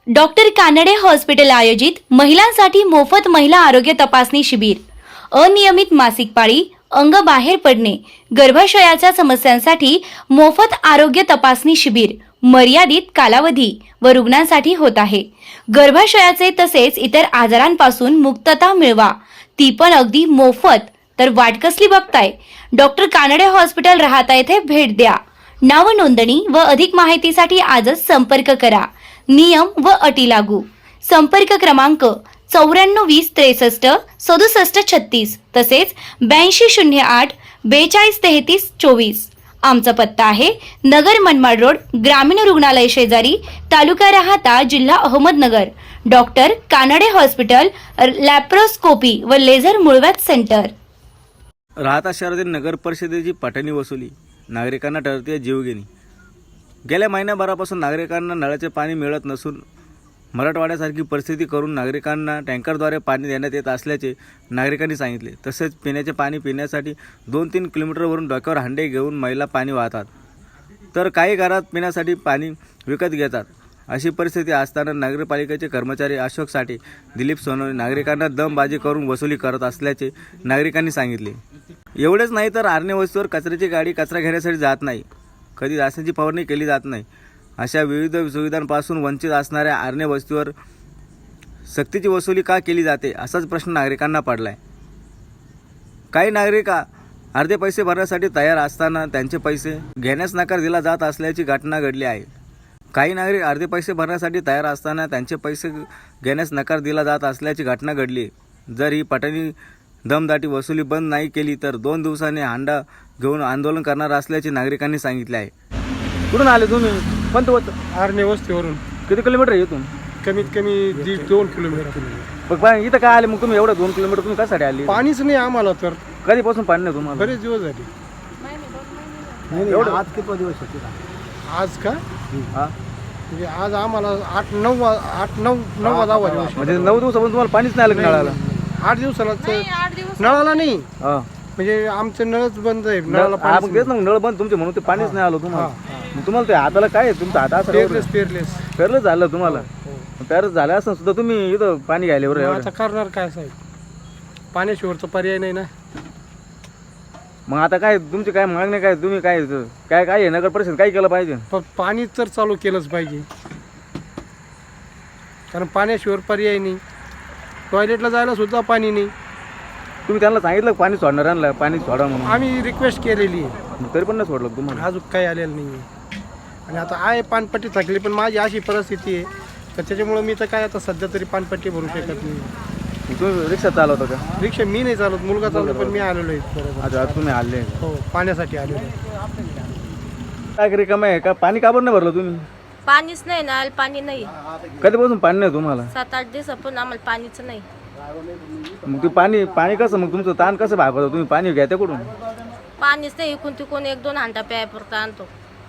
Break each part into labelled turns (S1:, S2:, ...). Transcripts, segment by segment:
S1: Doctor Kanade hospital आयोजित महिलांसाठी मोफत महिला आरोग्य तपासणी शिबिर. अनियमित मासिक पाळी, अंग बाहेर पडणे, गर्भाशयाच्या समस्यांसाठी मोफत आरोग्य तपासणी शिबिर मर्यादित कालावधी व रुग्णांसाठी होत आहे. गर्भाशयाचे तसेच इतर आजारांपासून मुक्तता मिळवा, ती पण अगदी मोफत. तर वाट कसली बघताय? डॉक्टर कानडे हॉस्पिटल राहता येथे भेट द्या. नाव नोंदणी व अधिक माहितीसाठी आजच संपर्क करा. नियम व अटी लागू. संपर्क क्रमांक 9420 63 67 36 तसेच 8208 42 33 24. आमचा पत्ता आहे नगर मनमाड रोड, ग्रामीण रुग्णालय शेजारी, तालुका राहाता, जिल्हा Ahmednagar. Doctor Kanade hospital, laparoscopy व लेझर मुळव्याध सेंटर.
S2: राहता शहरातील नगर परिषदेची पटणी वसुली नागरिकांना ठरते जीवघेणी. गेल्या महिन्याभरापासून नागरिकांना नळाचे पाणी मिळत नसून मराठवाड्यासारखी परिस्थिती करून नागरिकांना टँकरद्वारे पाणी देण्यात येत असल्याचे नागरिकांनी सांगितले. तसेच पिण्याचे पाणी पिण्यासाठी 2-3 किलोमीटरवरून डोक्यावर हांडे घेऊन महिला पाणी वाहतात, तर काही घरात पिण्यासाठी पाणी विकत घेतात. अशी परिस्थिती असताना नगरपालिकेचे कर्मचारी अशोक साठे, दिलीप सोनवणे नागरिकांना दमबाजी करून वसुली करत असल्याचे नागरिकांनी सांगितले. एवढेच नाही तर आरणे वस्तीवर कचऱ्याची गाडी कचरा घेण्यासाठी जात नाही, कधी रासायनिक फवारणी केली जात नाही. अशा विविध सुविधांपासून वंचित असणाऱ्या आरणे वस्तीवर सक्तीची वसुली का केली जाते, असाच प्रश्न नागरिकांना पडलाय. काही नागरिक अर्धे पैसे भरण्यासाठी तयार असताना त्यांचे पैसे घेण्यास नकार दिला जात असल्याची घटना घडली आहे. काही नागरिक अर्धे पैसे भरण्यासाठी तयार असताना त्यांचे पैसे घेण्यास नकार दिला जात असल्याची घटना घडली. जर ही पटणी दमदाटी वसुली बंद नाही केली तर 2 दिवसांनी हांडा घेऊन आंदोलन करणार असल्याचे नागरिकांनी सांगितले आहे. कुठून आले तुम्ही? पण तो
S3: आरणे वस्तीवरून
S2: किती किलोमीटर आहे इथून?
S3: कमीत कमी 2 किलोमीटर.
S2: मग इथं काय आले मग तुम्ही? एवढं 2 किलोमीटर तुम्ही कशासाठी आले?
S3: पाणीच नाही आम्हाला, तर
S2: कधीपासून पाणी नाही तुम्हाला?
S3: बरेच दिवस झाले.
S2: एवढं?
S3: आज किती दिवस होते? आज का?
S2: हा,
S3: म्हणजे आज आम्हाला 8-9 दिवस.
S2: म्हणजे 9 दिवसापासून तुम्हाला पाणीच नाही आलं का नळाला?
S3: 8 दिवसाला नळाला नाही,
S2: हा,
S3: म्हणजे आमचं नळच बंद आहे. नळाला
S2: हा,
S3: पाणी
S2: मग तेच ना, नळ बंद तुमचे म्हणून ते पाणीच नाही आलं तुम्हाला. मग तुम्हाला ते हाताला काय आहे? तुमचा हात असं
S3: पेरलेस
S2: पेरलं झालं तुम्हाला? पेरलं झालं असं सुद्धा तुम्ही इथं पाणी घ्यायला बरोबर?
S3: आता करणार काय साहेब, पाण्याशिवरचा पर्याय नाही ना.
S2: मग आता काय तुमची काय मागणी काय? तुम्ही काय काय काय आहे? नगर परिषद काय केलं पाहिजे?
S3: पण पाणी तर चालू केलंच पाहिजे, कारण पाण्याशिवाय पर्याय नाही. टॉयलेटला जायला सुद्धा पाणी नाही.
S2: तुम्ही त्यांना सांगितलं पाणी सोडणाऱ्यांना पाणी सोडा म्हणून?
S3: आम्ही रिक्वेस्ट केलेली आहे,
S2: तरी पण नाही सोडलं तुम्हाला?
S3: अजून काही आलेलं नाही आहे. आणि आता आहे पानपट्टी थकली, पण माझी अशी परिस्थिती आहे तर त्याच्यामुळं मी तर काय आता सध्या तरी पानपट्टी भरू शकत नाही.
S2: तुम्ही रिक्षा चालवता का?
S3: रिक्षा मी नाही चालवत, मुलगा चालवतो, पण मी आलेलो आहे. बरोबर.
S2: अच्छा, तुम्ही आले
S3: हो, पाण्यासाठी आलेलो आहे.
S2: काय रिकाम आहे का? पाणी का बरं नाही भरलं तुम्ही?
S4: पाणीच नाही ना, पाणी नाही.
S2: कधीपासून पाणी नाही तुम्हाला?
S4: 7-8 दिवसापासून आम्हाला पाणीच नाही.
S2: मग ते पाणी कसं, मग तुमचं ताण कसं भागवतं? तुम्ही पाणी घ्या कुठून?
S4: पाणीच नाही, इकून तिकून 1-2 हांडा प्यायपुरता आणतो.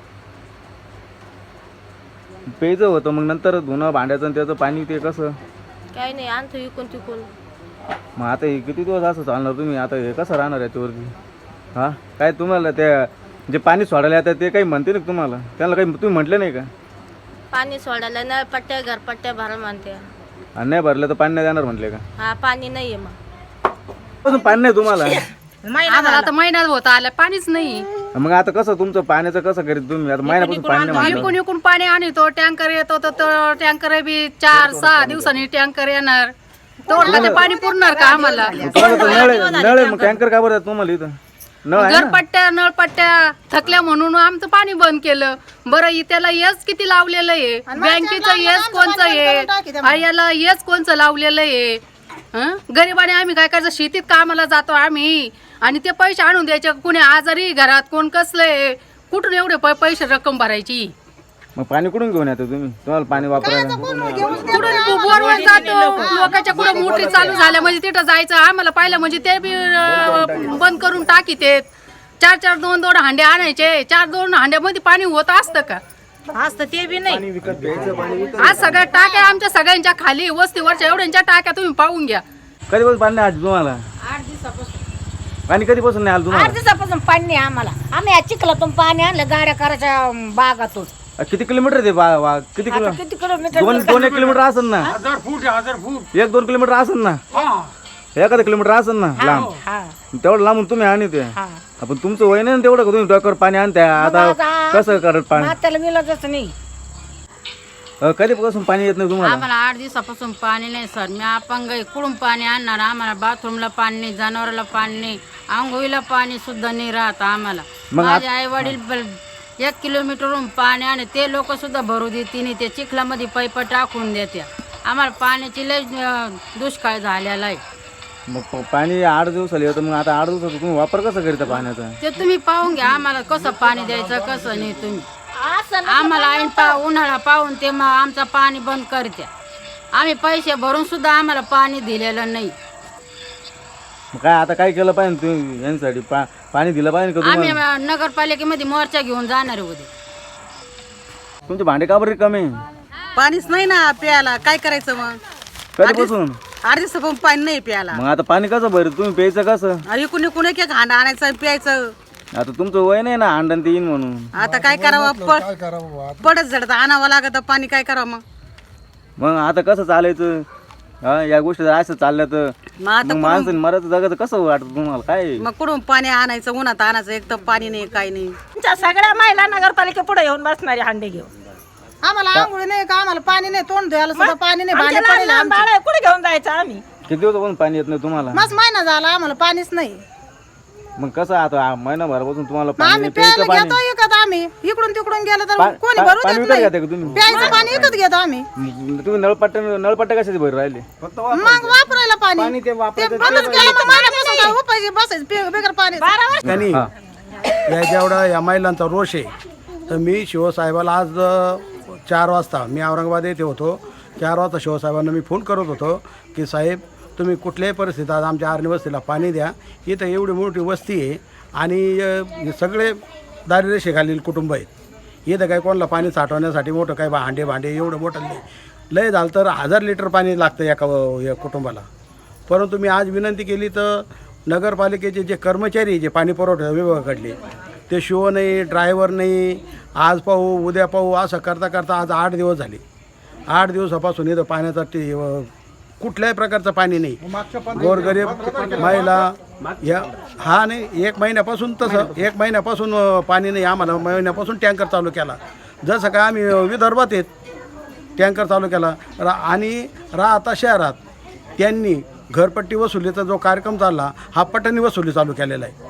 S2: प्यायचं होतं, मग नंतर धुणं भांड्याचं आणि त्याचं पाणी ते कसं?
S4: काही नाही, आणतो इकून तिकून.
S2: मग आता हे किती दिवस असं चालणार तुम्ही? आता हे कसं राहणार याच्यावरती? हां, काय तुम्हाला त्या जे पाणी सोडायला येतात ते काही म्हणते ना तुम्हाला? त्यांना काही तुम्ही म्हटलं नाही का?
S4: पाणी सोडायला नळपट्ट्या घरपट्ट्या भरा म्हणते.
S2: आणि नाही भरलं तर पाणी नाही देणार म्हटले का?
S4: हा, पाणी नाहीये. मग
S2: पाणी नाही तुम्हाला?
S5: आम्हाला आता महिन्यात होत आलं पाणीच नाही.
S2: मग आता कसं तुमचं पाण्याचं कसं करीत तुम्ही? आता महिन्यापासून पाणी नाही म्हणलं.
S5: इकून इकून पाणी आणतो, टँकर येतो तर टँकर बी 4-6 दिवसांनी टँकर येणार. तोडलं ते पाणी पुरणार का आम्हाला?
S2: तुम्हाला तर नळ आहे, मग टँकर का बरं तुम्हाला इथं? नळ आहे ना?
S5: घरपट्ट्या नळपट्ट्या थकल्या म्हणून आमचं पाणी बंद केलं. बरं, त्याला येस किती लावलेलं आहे? बँकेचं येस कोणचं आहे? याला येस कोणचं लावलेलं आहे? गरिबाने आम्ही काय करायचं? शेतीत कामाला जातो आम्ही, आणि ते पैसे आणून द्यायचे. कुणी आजारी घरात, कोण कसलंय, कुठून एवढे पैसे रक्कम भरायची?
S2: मग पाणी कुठून घेऊन येतो तुम्ही? तुम्हाला पाणी वापरायला
S5: कुठून बोरवर जातो, लोकांच्या कुठं मोटरी चालू झाल्या म्हणजे तिथं जायचं. आम्हाला पाहिलं म्हणजे ते बी बंद करून टाकीत. 4-4, 2-2 हांडे आणायचे. 4-2 हांड्यामध्ये पाणी होत असतं का?
S4: असतं ते बी नाही.
S5: आज सगळ्या टाक्या आमच्या सगळ्यांच्या खाली, वस्तीवरच्या एवढ्यांच्या टाक्या तुम्ही पाहून घ्या.
S2: कधीपासून पाणी नाही आज तुम्हाला?
S4: 8 दिवसापासून.
S2: पाणी कधीपासून नाही आलं तुम्हाला?
S6: 8 दिवसापासून पाणी नाही आम्हाला. आम्ही या चिखलातून पाणी आणलं गाड्या करायच्या बागातून.
S2: किती किलोमीटर आहे ते किती किलोमीटर 2 किलोमीटर असेल ना 1-2 किलोमीटर असेल ना एखादं किलोमीटर असेल ना लांब तेवढं लांबून तुम्ही आणते आपण तुमचं वय नाही ना तेवढं का तुम्ही डोक्यावर पाणी आणताय आता कसं करत पाणी
S6: त्याला मिळतच नाही.
S2: कधीपासून पाणी येत नाही तुम्हाला
S7: आम्हाला 8 दिवसापासून पाणी नाही सर. मी अपंग आहे. कुठून पाणी आणणार? आम्हाला बाथरूमला पाणी नाही, जनावराला पाणी नाही, आंघोळीला पाणी सुद्धा नाही राहत आम्हाला. माझे आई वडील 1 किलोमीटरहून पाणी आणि ते लोक सुद्धा भरू देते नाही. ते चिखलामध्ये पाईप टाकून देत्या. आम्हाला पाण्याची लय दुष्काळ झालेला आहे.
S2: मग पाणी 8 दिवसाला येतं. मग आता 8 दिवसाचा तुम्ही वापर कसा करता पाण्याचा?
S7: ते तुम्ही पाहून घ्या आम्हाला कसं पाणी द्यायचं कसं नाही. तुम्ही आम्हाला ऐन उन्हाळा पाहून ते मग आमचं पाणी बंद करत्या. आम्ही पैसे भरून सुद्धा आम्हाला पाणी दिलेलं नाही.
S2: मग काय आता काय केलं पाहिजे तुम्ही यांसाठी पाणी दिलं पाहिजे का
S7: आम्ही
S2: तुम्हाला?
S7: नगरपालिकेमध्ये मोर्चा घेऊन जाणार आहे उद्या.
S2: तुमचे भांडे का बरे कमी?
S6: पाणीच नाही ना प्यायला. काय करायचं मग?
S2: कधीपासून?
S6: 8 दिवसापासून पाणी नाही प्यायला.
S2: मग आता पाणी कसं भरत तुम्ही प्यायचं कसं?
S6: इकडून इकडून एक हांडा आणायचं आणि प्यायचं.
S2: आता तुमचं वय नाही ना अंडण ते येईन म्हणून.
S6: आता काय करावं? पडत झडत आणावं लागत पाणी. काय करावं मग?
S2: मग आता कसं चालायचं? या गोष्टी जर असं चालल्या तर
S6: मग आता
S2: मग माणसं मरायचं जगाचं कसं वाटत तुम्हाला? काय
S6: मग कुठून पाणी आणायचं? उन्हात आणायचं. एक तर पाणी नाही काय नाही.
S8: तुमच्या सगळ्या महिला नगरपालिके पुढे येऊन बसणारे हांडे घेऊन.
S9: आम्हाला आंघोळी नाही का? आम्हाला पाणी नाही, तोंड धुवायला सुद्धा पाणी नाही.
S8: आमच्या लहान लहान बाळ आहे, कुठे घेऊन जायचं आम्ही?
S2: किती दिवसापासून पाणी येत नाही तुम्हाला?
S9: मस्त महिना झाला आम्हाला पाणीच नाही.
S2: मग कसं आता महिनाभरापासून तुम्हाला
S9: मग
S2: पाणी
S9: आम्ही
S2: नाही, प्यायचं
S9: प्यायला
S2: पाणी
S9: घेतो एकत. आम्ही इकडून तिकडून गेलो तर
S2: पा-
S9: कोणी
S2: पा-
S9: भरू
S2: पाणी
S9: देत
S2: विकत
S9: नाही.
S2: घेता का तुम्ही?
S9: प्यायचं पाणी विकत घेतो आम्ही.
S2: तुम्ही नळपट्ट्या कशाचे भर राहिले?
S9: मग वापरायला पाणी ते बंदच केलं. मग महिन्यापासून काय उपाय बसायचं बेगर पाणी.
S3: त्यांनी या जेवढा या महिलांचा रोष आहे तर मी शिवसाहेबाला आज 4 वाजता मी औरंगाबाद येथे होतो. 4 वाजता शिवसाहेबांना मी फोन करत होतो की साहेब तुम्ही कुठल्याही परिस्थितीत आज आमच्या आर्णी वस्तीला पाणी द्या. इथं एवढी मोठी वस्ती आहे आणि हे सगळे दारिद्र्यरेषेखालील कुटुंब आहेत. इथं काय कोणाला पाणी साठवण्यासाठी मोठं काय भांडे एवढं मोठं नाही. लय झालं तर 1000 लिटर पाणी लागतं या कुटुंबाला. परंतु मी आज विनंती केली तर नगरपालिकेचे जे कर्मचारी जे पाणी पुरवठा विभागाकडले ते शिव नाही, ड्रायव्हर नाही, आज पाहू उद्या पाहू असं करता करता आज 8 दिवस झाले. 8 दिवसापासून इथं पाण्यासाठी कुठल्याही प्रकारचं पाणी नाही. गोरगरीब महिला या नाही 1 महिन्यापासून तसं 1 महिन्यापासून पाणी नाही. आम्हाला महिन्यापासून टँकर चालू केला. जसं काय आम्ही विदर्भात आहेत टँकर चालू केला. आणि राहता शहरात त्यांनी घरपट्टी वसुलीचा जो कार्यक्रम चालला हा पटणी वसुली चालू केलेला आहे.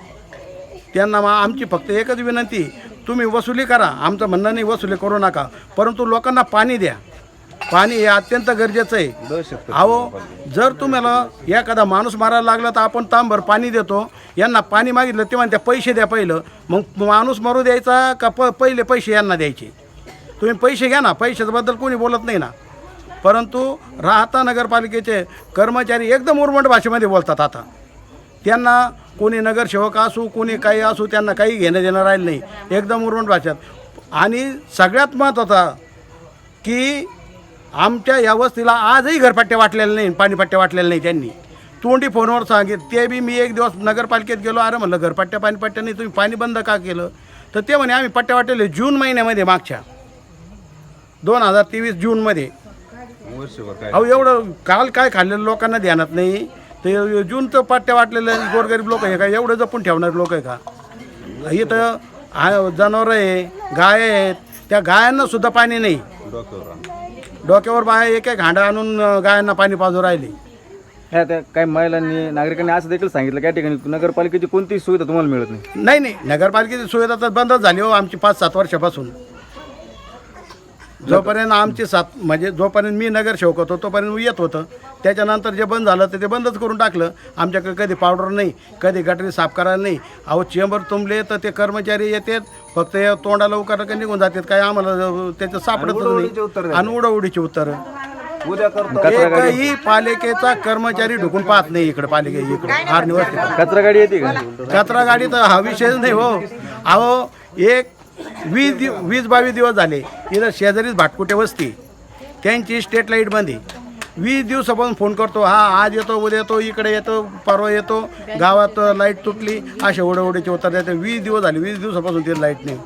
S3: त्यांना आमची फक्त एकच विनंती, तुम्ही वसुली करा. आमचं म्हणणं नाही वसुली करू नका, परंतु लोकांना पाणी द्या. पाणी हे अत्यंत गरजेचं आहे. अहो जर तुम्हाला एखादा माणूस मारायला लागला तर आपण तांबर पाणी देतो. यांना पाणी मागितलं ते म्हणते पैसे द्या पहिलं. मग माणूस मरू द्यायचा का पहिले पैसे यांना द्यायचे? तुम्ही पैसे घ्या ना. पैशाबद्दल कोणी बोलत नाही ना. परंतु राहता नगरपालिकेचे कर्मचारी एकदम उर्मट भाषेमध्ये बोलतात. आता त्यांना कोणी नगरसेवक असू कोणी काही असू त्यांना काही घेणं देणं राहिलं नाही. एकदम उर्मट भाषेत. आणि सगळ्यात महत्त्वाचा की आमच्या या वस्तीला आजही घरपट्ट्या वाटलेल्या नाही, पाणीपट्ट्या वाटलेल्या नाही. त्यांनी तोंडी फोनवर सांगितलं. ते बी मी एक दिवस नगरपालिकेत गेलो. अरे म्हणलं घरपट्ट्या पाणीपट्ट्या नाही, तुम्ही पाणी बंद का केलं? तर ते म्हणे आम्ही पट्ट्या वाटलेले जून महिन्यामध्ये मागच्या 2023 जूनमध्ये. अहो एवढं काल काय खाल्लेलं लोकांना ध्यानात नाही. ते जूनचं पट्ट्या वाटलेले गोरगरीब लोक आहे का? एवढं जपून ठेवणारे लोक आहे का? इथं जनावरं आहे, गाय आहेत. त्या गायांना सुद्धा पाणी नाही. डोक्यावर बाया एक हांडा आणून गायांना पाणी पाजू राहिले.
S2: ह्या त्या काही महिलांनी नागरिकांनी असं देखील सांगितलं त्या ठिकाणी नगरपालिकेची कोणतीही सुविधा तुम्हाला मिळत नाही.
S3: नाही नगरपालिकेची सुविधा तर बंदच झाली हो आमची 5-7 वर्षापासून. जोपर्यंत आमची म्हणजे जोपर्यंत मी नगरसेवक होतो तोपर्यंत येत होतं. त्याच्यानंतर जे बंद झालं तर ते बंदच करून टाकलं. आमच्याकडे कधी पावडर नाही, कधी गटरी साफ करायला नाही. अहो चेंबर तुंबले तर ते कर्मचारी येतात फक्त तोंडाला उकार निघून जातात. काय आम्हाला त्याचं सापडतच नाही. आणि उडवडीची उत्तरं. एकही पालिकेचा कर्मचारी ढुकून पाहत नाही इकडे. इकडे आर्णी वस्ती
S2: कचरा गाडी येते का?
S3: कचरा गाडी तर हा विषयच नाही हो. अहो 20-22 दिवस झाले इथं शेजारीच भाटकुटे वस्ती त्यांची स्ट्रीट लाईट बंद आहे. 20 दिवसापासून फोन करतो. आज येतो उद्या येतो इकडे येतो परवा येतो. गावात लाईट तुटली असे ओढवडीचे उत्तर देते. 20 दिवस झाले. 20 दिवसापासून ते लाईट नाही.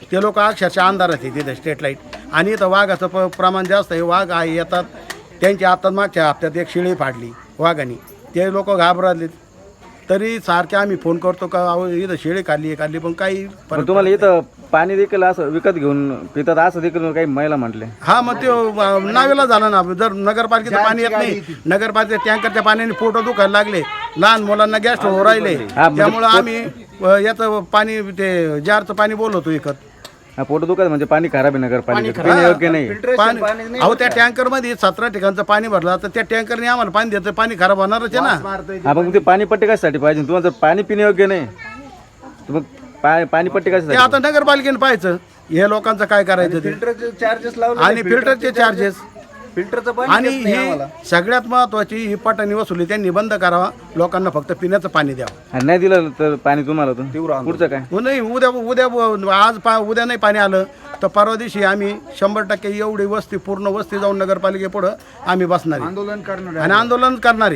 S3: ते लोक अक्षरशः अंधारात आहे तिथे स्ट्रीट लाईट. आणि इथं वाघाचं प्रमाण जास्त आहे. वाघ आहे येतात. त्यांची आता मागच्या हप्त्यात एक शेळी फाडली वाघाने. ते लोक घाबरले. तरी सारखे आम्ही फोन करतो का अहो इथं शेळी काढली पण काही
S2: पण तुम्हाला इथं पाणी देखील असं विकत घेऊन पितात असं देखील काही महिला म्हटले.
S3: हा मग ते नावेला झालं ना. जर नगरपालिकेचं पाणी येत नाही, नगरपालिकेच्या टँकरच्या पाण्याने पोट दुखायला लागले, लहान मुलांना गॅस राहिले, त्यामुळं आम्ही याचं पाणी ते जारचं पाणी बोलवतो विकत.
S2: पोट दुखत म्हणजे पाणी खराब आहे नगरपालिकेचं, पिण्यायोग्य नाही.
S3: पाणी अहो त्या टँकरमध्ये 17 ठिकाणचं पाणी भरलं तर त्या टँकरने आम्हाला पाणी द्यायचं, पाणी खराब होणारच आहे ना.
S2: हा मग ते पाणी पट्टी कशासाठी पाहिजे तुम्हाला? जर पाणी पिण्यायोग्य नाही तर मग पाणी पट्टी
S3: ते
S2: कशासाठी?
S3: आता नगरपालिकेने पाहायचं हे लोकांचं काय करायचं ते. आणि फिल्टरचे चार्जेस आणि ही सगळ्यात महत्वाची ही पाटणी वसुली त्यांनी बंद करावा. लोकांना फक्त पिण्याचं पाणी द्यावं.
S2: आणि नाही दिलं तर पाणी तुम्हाला तर पुढचं काय?
S3: नाही उद्या नाही पाणी आलं तर परवा दिवशी आम्ही 100% एवढी वस्ती पूर्ण वस्ती जाऊन नगरपालिकेपुढं आम्ही बसणार आणि आंदोलन करणारे.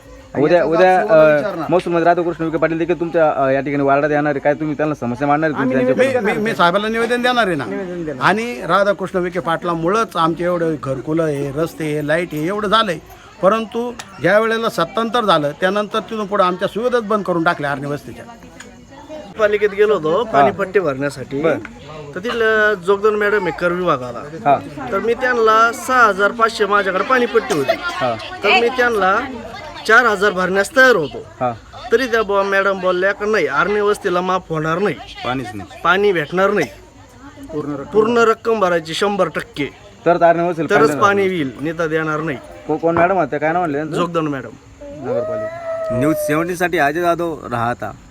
S2: उद्या महसूल राधाकृष्ण विखे पाटील देखील तुमच्या या ठिकाणी वार्डात येणार आहे. काय तुम्ही त्यांना समस्या मांडणार आहे?
S3: मी साहेबांना निवेदन देणार आहे ना. आणि राधाकृष्ण विखे पाटलामुळंच आमचे एवढं घरकुलं आहे, रस्ते आहे, लाईट आहे एवढं झालंय. परंतु ज्या वेळेला सत्तांतर झालं त्यानंतर तिथून पुढे आमच्या सुविधाच बंद करून टाकल्या आर्णी वस्तीच्या.
S10: पालिकेत गेलो होतो पाणीपट्टी भरण्यासाठी. तर तिथलं जोगदन मॅडम आहे कर विभागाला. तर मी त्यांना 6500 माझ्याकडे पाणीपट्टी होती. तर मी त्यांना 4000 भरण्यास तयार होतो. तरी त्या मॅडम बोलल्या की नाही आर्णी वस्तीला माफ होणार नाही,
S2: पाणीच नाही,
S10: पाणी भेटणार नाही, पूर्ण रक्कम भरायची 100%, तरच पाणी येईल, नेता देणार नाही.
S2: कोण मॅडम होत्या काय नाव म्हणले?
S10: जोगदन मॅडम.
S2: नगरपालिका. न्यूज 17 साठी अजय जाधव राहता.